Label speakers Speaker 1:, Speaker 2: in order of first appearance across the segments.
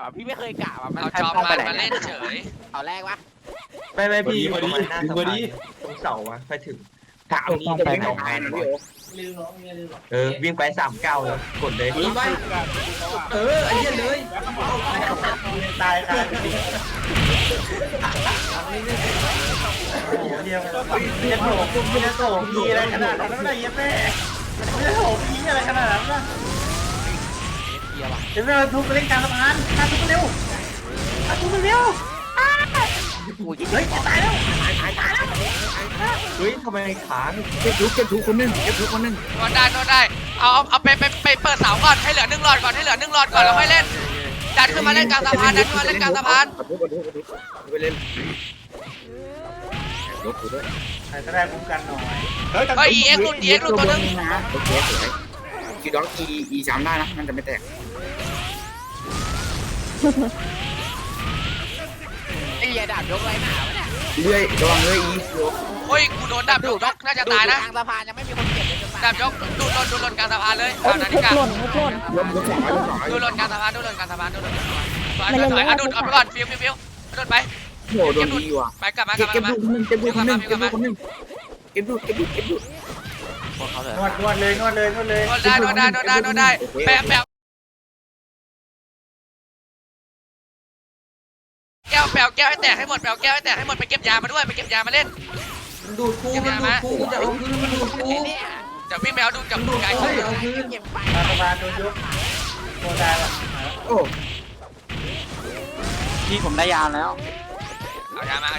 Speaker 1: พี่ไม่เคยกะว่ะมัน
Speaker 2: เอาจอมมาเล่นเฉย
Speaker 1: เอาแรกวะ
Speaker 3: ไม่พี่ประมาณหน้าสะพานตรงเสาอะไปถึงถามนี้จะวิ่ง2 งานวิ่งไป3 ก้าวแล้วกดเลยวิ่งไปไอ้เหี้ยเลยตายค่ะเดียวจะโถมจะโถมพีอะไรขนาดนั้นไม่ได้เย็บแม่จะโถมพีอะไรขนาดนั้นนะเดี๋ยวเราทุบไปเล่นกลางสะพานทุบเร็วทุบเร็วเฮ้ยตายแล้วเฮ้ยทำไมขาเก็บทุกคนนึง
Speaker 2: โดนได้เอาไปเปิดเสาก่อนให้เหลือ1 หลอดก่อนแล้วค่อยเล่นดันขึ้นมาเล่นกลางสะพาน
Speaker 3: ไปเล่นใครก็ได้คุ้มกันหน่อย
Speaker 2: เฮ้ย EX หลุดตัวนึง
Speaker 4: โอเคสวยกีดองอีจำได้นะมันจะไม่แตก
Speaker 1: ไอ้เหี้ยดาบยกไรหนาวะเนี่ย
Speaker 4: เรื่อยระวังเรื่อยอี
Speaker 2: โอ้ยกูโดนดับยกน่าจะตายนะ
Speaker 1: กลางสะพานยังไม่มีคนเก็บเลย
Speaker 2: ดับยกดูหล่นกลางสะพานเลยตามนาฬิกาดูหล่นกลางสะพานสวยอดุลเอาไปก่อนฟิวอดุลไป
Speaker 4: โหโดนดีว่ะ
Speaker 2: ไปกลับมา
Speaker 4: เก็บดูคนนึงเก็บดู
Speaker 3: นวดเลย
Speaker 2: โดนได้แปะแก้วให้แตกให้หมดไปเก็บยามาด้วยไปเก็บยามาเล่น
Speaker 3: ดูดกูจะเอาคืนมันดูดกู
Speaker 2: เดี๋ยววิ่งไปเอาดูกับไก่
Speaker 3: เอาคืนสะพานโดนยกโดนได้ละ
Speaker 4: โอ้
Speaker 5: พี่ผมได้ยาแล้ว
Speaker 2: เอายามา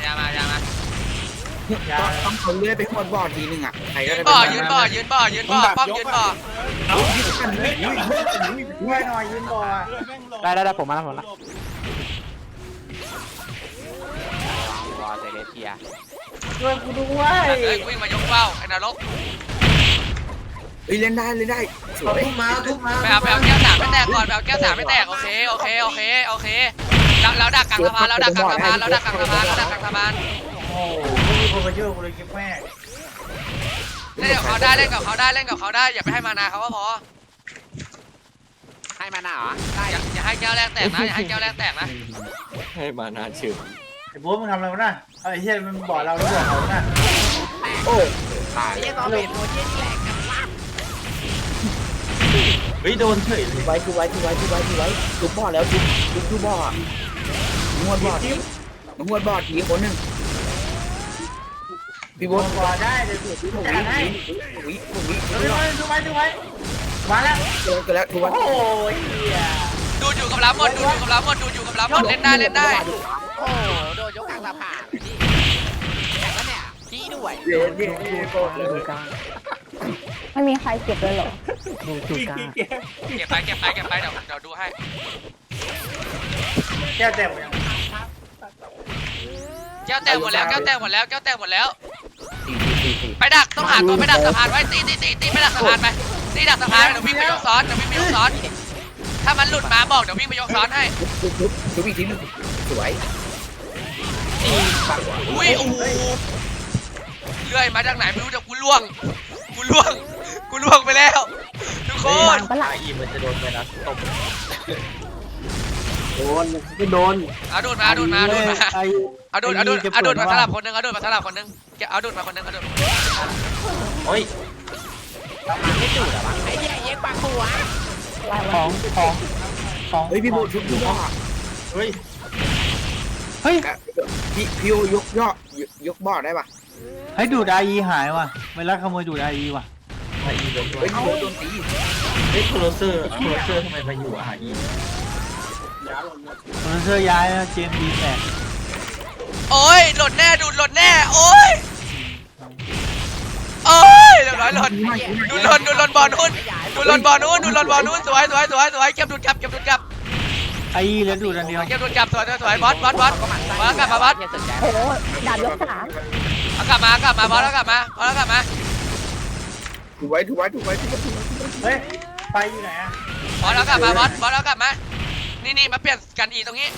Speaker 4: ต้องเขาเลื่อยไปขวดบ่อทีนึงอ่ะใครก็ได้
Speaker 2: ยืนบ่อป้อมยืนบ่อ
Speaker 3: ช่วยหน่อยยืนบ่อ
Speaker 5: ได้ผมมาแล้ว
Speaker 1: วอเซเลเทีย
Speaker 3: ช่วยกูด้วย
Speaker 2: วิ่งมายกเป้าไอ้นรก
Speaker 4: เล่นได้สวย
Speaker 3: ทุบมา
Speaker 2: ไปเอาแก้ว3ไม่แตกก่อนไปเอาแก้ว3ไม่แตกโอเคเราดักกลางสะพาน
Speaker 3: โอ้มีคนมาช่วยกูเลยกิ๊บแม่
Speaker 2: เล่นกับเขาได้อย่าไปให้มานาเขาก็พอ
Speaker 1: ให้มาหนาเหรอได้
Speaker 2: อย่าให้แก้วแรกแตกนะ
Speaker 3: ให้มานาชื่อไอ้โบ๊ทมึงทำอะไรวะน่ะไอ้เหี้ยมันบอกเราแล้วบอกเขาน่ะ
Speaker 4: โอ้
Speaker 1: ไอ้เหี้ยตอนเป็นตัวเหี้ยนี่แหลกกันวะ
Speaker 3: เฮ้ยโดนเฉยเลย
Speaker 4: ไว้ทุบบ่อแล้วทุบบ่อนวดบ่อทีคนนึงพี่โบ๊ท
Speaker 3: บ่อได้เดี๋ยวถูกจัดให้
Speaker 4: วิ
Speaker 3: ดูไว้มาแล้ว
Speaker 4: ก็แล้วทุกวัน
Speaker 3: โอ้ยเหี้ย
Speaker 2: ดูอยู่กับเราหมดเล่นได้
Speaker 1: โอ้โดนยกกลางสะพานนี่แข่งแล้วเนี่ยพี่ด้วย
Speaker 4: เดี๋ยว
Speaker 6: ไม่มีใครเก็บเลยเหรอ
Speaker 2: เก็บไปเดี๋ยวดูให้
Speaker 3: แก้วแตกหมดยัง
Speaker 2: แก้วแตกหมดแล้ว ไปดักต้องหาตัวไปดักสะพานไว้ตีไปดักสะพานไปตีดักสะพานเดี๋ยววิ่งไปยกซ้อนถ้ามันหลุดมาบอกเดี๋ยววิ่งไปยกซ้อนให้
Speaker 4: ทุบอีกทีนึงสวย
Speaker 2: อุ้ยโอ้โหเลื่อยมาจากไหนไม่รู้แต่กูล่วงไปแล้วทุกคน
Speaker 6: ปะล่ะ
Speaker 3: อีมันจะโดนไปนะตบ
Speaker 5: โดน
Speaker 2: เอาดูดมาสลับคนนึงเอาดูดมาคนนึง
Speaker 3: โอ้ย
Speaker 1: ไม่จุดอะวะไอ้เหี้ยเย็กปากหัว
Speaker 5: ของ
Speaker 4: เฮ้ยพี่โบ๊ททุบบ่อ
Speaker 3: เฮ้ย
Speaker 4: พี่ยกบ่อได้ป่ะ
Speaker 5: ให้ดูดไอหายว่ะเวลาขโมยดูดไอว่ะ
Speaker 3: ไออีโดนตัว
Speaker 4: เฮ้ยพี่โบ๊ทโดนตี
Speaker 3: เฮ้ยโคโรเซอร์ทำไมมาอยู่อ่ะอี
Speaker 5: คนเสื้อย้ายนะเจมดีแตก
Speaker 2: โอ้ยหล่นแน่โอ้ยเรียบร้อยหล่นดูหล่นบอลนู้นสวยเก็บดูดกลับ
Speaker 5: ไอเหลือดูดอันเดียว
Speaker 2: เก็บดูดกลับสวยบอสกลับมาบอส
Speaker 6: โอ้โหดาบยก3
Speaker 2: เอากลับมาบอสแล้วกลับมา
Speaker 4: ถูไว้
Speaker 3: เฮ้ยไปอยู่ไหนอ่ะ
Speaker 2: บอสแล้วกลับมานี่มาเปลี่ยนกันอีตรงนี้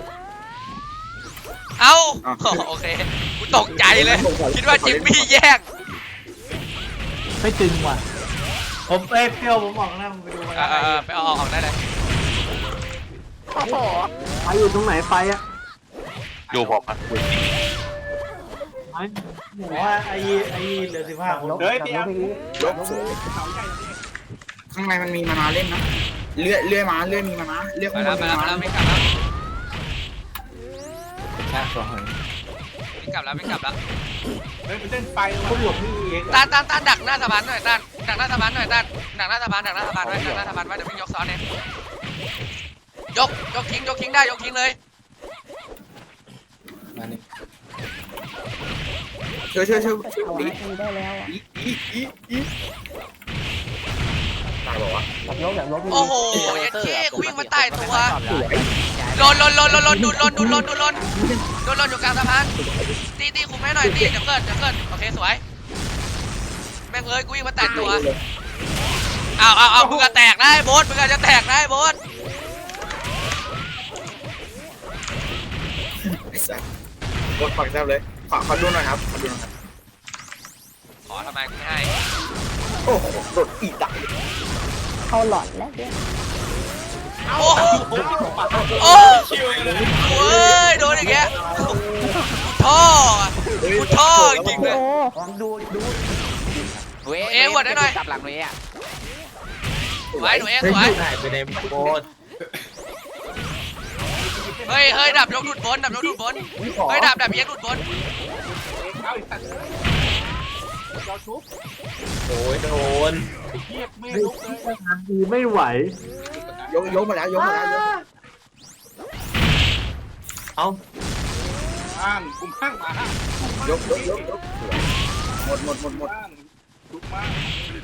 Speaker 2: เอาโอเคกูตกใจเลยคิดว่าจิมมี่แย่ง
Speaker 5: ไม่ตึงว่ะ
Speaker 3: ผมเปรี้ยวผมบอกนะมึงไปดูมา
Speaker 2: ไปเอาออกได้เลย
Speaker 1: โอ้โห
Speaker 5: ไฟอยู่ตรงไหนไฟอะ
Speaker 7: ดูผมอ่ะ
Speaker 5: ไฟ
Speaker 3: ผมว่าไอ้เหลือ15 คนเฮ้ยพี่แอม
Speaker 4: ยกสูงข้างในมันมีมานาเล่นนะเลื่อยมาเลื่อยมีมานาเลื่อย
Speaker 2: ไป
Speaker 4: ข้างบ
Speaker 2: แล้ว
Speaker 4: น
Speaker 2: ไป
Speaker 4: มี
Speaker 2: แล้ว
Speaker 4: มา
Speaker 2: ไป
Speaker 4: นา
Speaker 2: แล้ววิ่งกลับแล้ว
Speaker 3: เฮ้ยมันเล่นไฟคุณหลบพี่เอง
Speaker 2: ต้านดักหน้าสะพานหน่อยต้านดักหน้าสะพานหน่อยต้านดักหน้าสะพานไว้เดี๋ยววิ่งยกซ้อนเองยกทิ้งได้ยกทิ้งเลย
Speaker 4: ช่วย
Speaker 6: เอา
Speaker 4: ดี
Speaker 6: ทีได้แล้วอ่ะ
Speaker 4: ตายบอกว่า
Speaker 2: โอ้โหยัดเชี่ยกูวิ่งมาใต้ตัวโดนดูดอยู่กลางสะพานตีคุมให้หน่อยตีเดี๋ยวเกิดโอเคสวยแม่งเอ้ยกูวิ่งมาแตกตัวเอามึงก็แตกได้โบ๊ทมึงก็จะแตกได้โบ๊ท
Speaker 4: ไอ้สัสกดฝังแทบเลยขอดูหน่อยครับ
Speaker 2: ขอทำไมกูไม่ให้
Speaker 4: โอ้โหโดดอีดัก
Speaker 6: เข้าหลอดแล้วเดี๋ยว
Speaker 2: โอ้โอ้ยโดนอย่างเงี้ยท่อจริงเลย
Speaker 6: โอ้
Speaker 2: เอวดได้หน่อย
Speaker 1: กลับหลังเลยอ่ะ
Speaker 2: สวยหนูเอสวย
Speaker 3: หายไปในโบส
Speaker 2: เฮ้ยดับยกดูดบนเฮ้ยดับเย็นดูดบน
Speaker 3: โอ้ยโดนไม่ลุกเลย
Speaker 5: ดีไม่ไหวย
Speaker 4: กมาแล้ว
Speaker 3: เอาข้างคุมข้างมาย
Speaker 4: กหมด
Speaker 3: ลุกมาก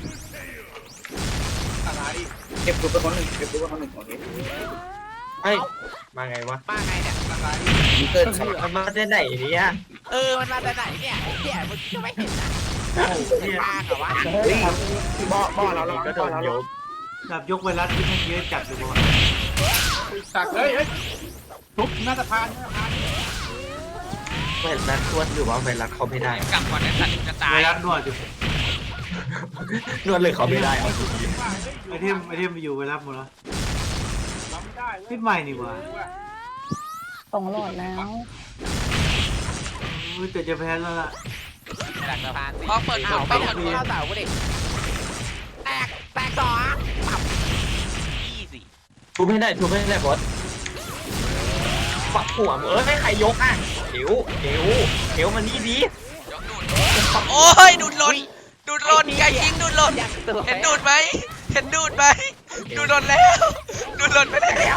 Speaker 3: อะไร
Speaker 4: เก็บตัวไปคนหนึ่งโอเค
Speaker 3: เฮ้ยมาไงวะ
Speaker 1: มาไงเนี่ย
Speaker 3: อะไร
Speaker 4: มีเกินสลับ
Speaker 3: มันมาได้ไหนเนี่ย
Speaker 1: มันมาแต่ไหนเนี่ยมึงจะไม่เห็นนะเป็นบ้าเหรอวะ
Speaker 4: เฮ้ยบ่อเรา
Speaker 3: ก็โดนยก
Speaker 5: ดับยกไวรัสที่มันเยอะจัดอยู่บ่
Speaker 3: สักเฮ้ยทุบหน้าสะพานไวรัสทวดหรือว่าไวรัสเขาไม่ได้
Speaker 2: กลับก่อนไอ้สัตว์จะตา
Speaker 5: ไวย รัสนวดอยู่
Speaker 3: นวดเลยเขาไม่ได้เอา
Speaker 5: ไอเทมไปอยู่ไวรัสหมดแล้วพิษใหม่นี่หว่า
Speaker 6: สองหลอดแล้ว
Speaker 5: แต่จะแพ้แล้วล่ะ
Speaker 1: หลังสะพานสิ
Speaker 2: พอเปิด
Speaker 1: เข้า
Speaker 2: เสา
Speaker 1: กูดิแตกต่อปับยี่สิ
Speaker 3: ทุบไม่ได้บอสฝักหัวไม่ใครยกอ่ะเดี๋ยวมันนี่ดี
Speaker 2: ยกดูดโอ้ยดูดหล่นไก่ยิงดูดหล่นเห็นดูดไหมดูดหล่นแล้วดูดหล่นไปแล้ว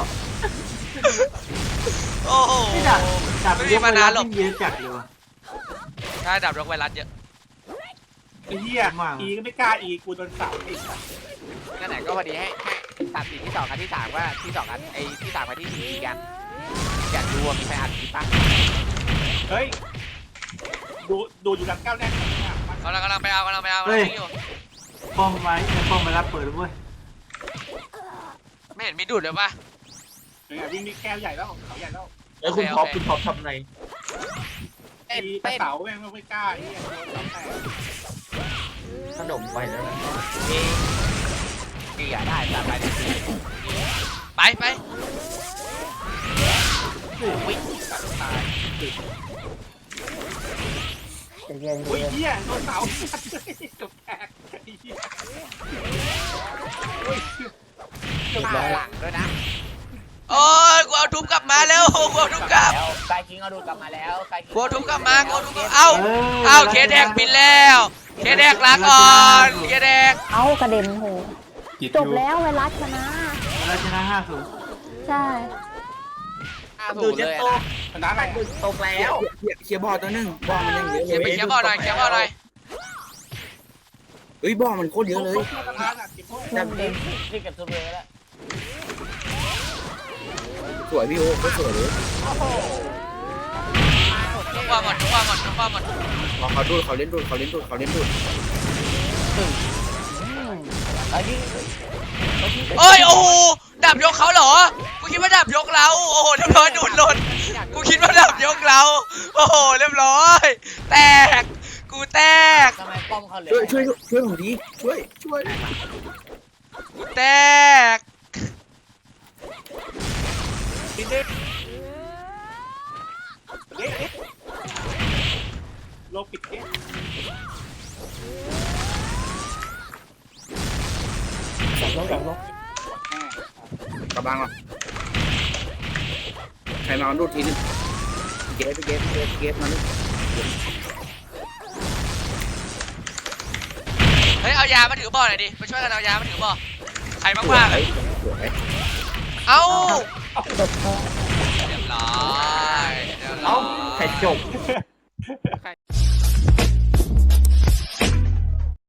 Speaker 2: โอ้โห
Speaker 5: ไม่ดับยกไวรัสที่เยอะจัดเลยว่ะ
Speaker 2: ใช่ดับยกไวรัสเยอะ
Speaker 3: ไอ้เหี้ยอีก็ไม่กล้าอีกูโดนเสาอีก
Speaker 1: นั่นแหละก็พอดีให้ตัดสินที่2กันที่3ว่าที่2กันไอ้ที่3กันที่4กันอยากดูว่ามีใครอัดคลิปป่ะ
Speaker 3: เฮ้ยดูอยู่ดังก้าวแน่น
Speaker 2: กำลังไปเอาอยู่
Speaker 5: ป้อมไว้ป้อมไวรัสเปิดแล้วเว้ย
Speaker 2: ไม่เห็นมีดูดเลยป่ะ
Speaker 3: วิ่งนี่แก้วใหญ่แล้วเขาใหญ่แล้ว
Speaker 2: แล้วคุณท็อป
Speaker 3: ทำไง
Speaker 1: เต้น
Speaker 3: เสาแม่งไม่กล้าไอ้ขนมไปแล้ว
Speaker 1: ดีอ่ะได้ตามไปดิ
Speaker 2: ไป
Speaker 1: วิ่ง
Speaker 3: ตายอุ้ยเหี้ยโดนเสาจบแตกไอ้เหี้ย
Speaker 1: มาหลังด้วยนะ
Speaker 2: โอ้ยกูเอาทุบกลับมาแล้วกูเอาทุบกลับ
Speaker 1: ไกคิงเอาดูกลับมาแล้วไกคิง
Speaker 2: กูเอาทุบกลับมาเอาเคแดกบินแล้วเคแดกลาก่อนเคแดก
Speaker 6: เอากระเด็นโหจบแล้วไวรัสชนะ
Speaker 5: ไวรัสชนะ5-0
Speaker 6: ใช่
Speaker 1: ดูจะโต
Speaker 3: ชนะอะไร
Speaker 4: ตกแล้วเคลียร์บ่อตัวนึงบ่อมันยังเยอะ
Speaker 2: เคลียร์บ่อหน่อย
Speaker 4: เฮ้ยบ่อมันโคตรเยอะเลย
Speaker 1: ที่เก็บตัวเลยแล้ว
Speaker 4: สวยพี่โอ้ก็สวยเลย
Speaker 2: ทุกว่าหมด
Speaker 4: เขาเล่นดูด
Speaker 2: โอ้ยโอ้โหดับยกเขาเหรอกูคิดว่าดับยกเราโอ้โหเรียบร้อยดูดหล่นกูคิดว่าดับยกเราโอ้โหเรียบร้อยแตกกูแตก
Speaker 1: ทำไมป้อมเขาเหลื
Speaker 4: ช่วยผมทีช่วย
Speaker 2: กูแตก
Speaker 4: กำลังอ่ะใครมาดูทีนึงเก็บมาดิ
Speaker 2: เฮ้ยเอายามาถือบ่อหน่อยดิมาช่วยกันเอายามาถือบ่อใครบ้างๆเอ้าเรียบร้อย
Speaker 3: เอ้าใครจบ